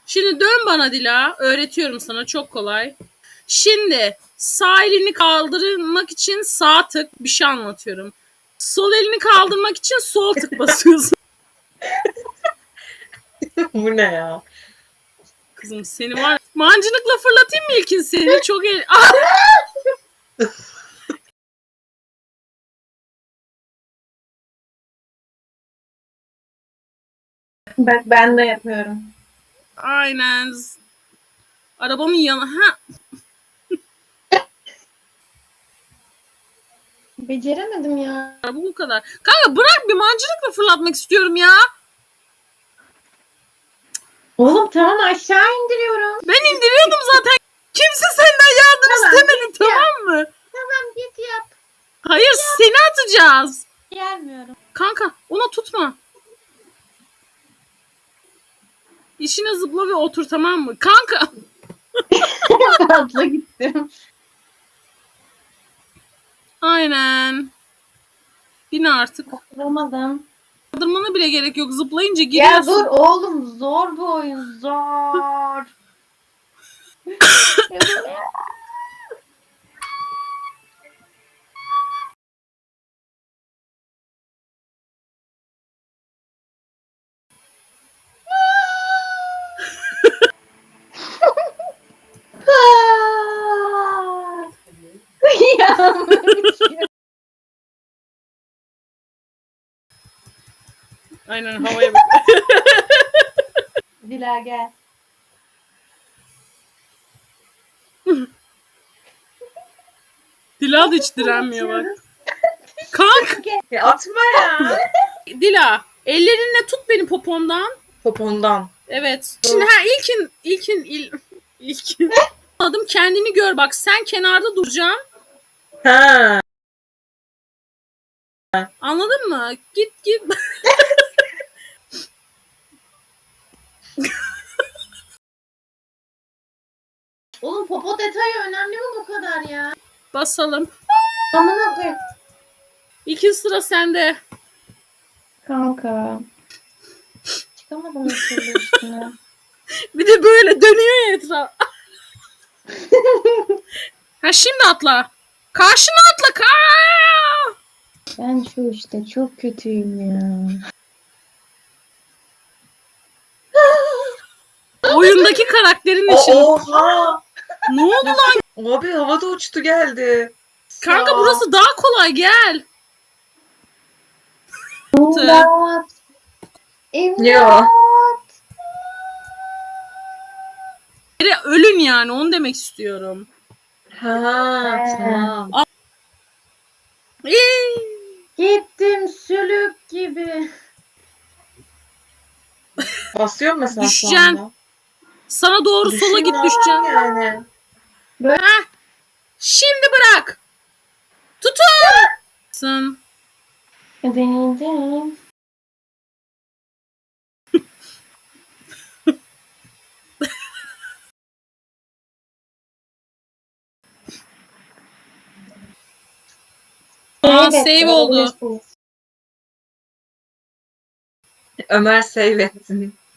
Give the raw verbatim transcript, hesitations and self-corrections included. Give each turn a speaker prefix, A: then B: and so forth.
A: Şimdi dön bana Dila. Öğretiyorum sana, çok kolay. Şimdi sağ elini kaldırmak için sağ tık, bir şey anlatıyorum. Sol elini kaldırmak için sol tık basıyorsun.
B: Bu ne ya?
A: Kızım seni var ya, mancınıkla fırlatayım mı ilkin seni? Çok el... Ah!
C: Bak ben de yapıyorum.
A: Aynen. Arabamın yanı... Ha.
C: Beceremedim ya.
A: Bu kadar. Kanka bırak, bir mancınıkla fırlatmak istiyorum ya.
C: Oğlum tamam, aşağı indiriyorum.
A: Ben indiriyordum zaten. Kimse senden yardım
C: Tamam,
A: istemedi,
C: git yap.
A: tamam mı?
C: Tamam git yap.
A: Hayır, seni atacağız.
C: Gelmiyorum.
A: Kanka ona tutma. İşine zıpla ve otur, tamam mı? Kanka.
C: Fazla gittim.
A: Aynen. Bin artık.
C: Olmadım.
A: Kaldırmana bile gerek yok. Zıplayınca
C: Ya
A: giriyorsun.
C: dur oğlum, zor bu oyun, zor. Ya,
A: Aynen, havaya bak.
C: Dila gel.
A: Dila da hiç direnmiyor bak. Kanka.
B: Ya atma ya.
A: Dila, ellerinle tut beni popomdan.
B: Popondan.
A: Evet. Şimdi ha ilkin ilkin il, ilkin. Adım, kendini gör bak. Sen kenarda duracaksın.
B: Ha.
A: Anladın mı? Git git.
C: Oğlum popo detayı önemli mi bu kadar ya?
A: Basalım.
C: Amına koyayım.
A: İlkin, sıra sende.
C: Kanka. Çıkamadım bir türlü üstüne.
A: Bir de böyle dönüyor ya etraf. Ha şimdi atla. Karşına atla. Ka
C: Ben şu işte çok kötüyüm ya.
A: Oyundaki karakterin için.
B: Oha.
A: Ne oldu lan?
B: Abi havada uçtu geldi.
A: Kanka
B: Sağ.
A: burası daha kolay, gel.
C: İmdat. İmdat.
B: Yo.
A: Biri ölün yani, onu demek istiyorum.
B: Ha,
C: He.
B: tamam.
A: Ee,
C: Gittim sülük gibi.
B: Basıyor mu mesela şu
A: Düşeceksin.
B: anda?
A: Sana doğru sola
B: Düşeyim
A: git,
B: ne
A: düşeceksin.
B: yapayım yani?
A: Heh. Şimdi bırak. Tutun.
C: Deneyeceğim.
A: Aa, save oldu.
B: Ömer save etsin.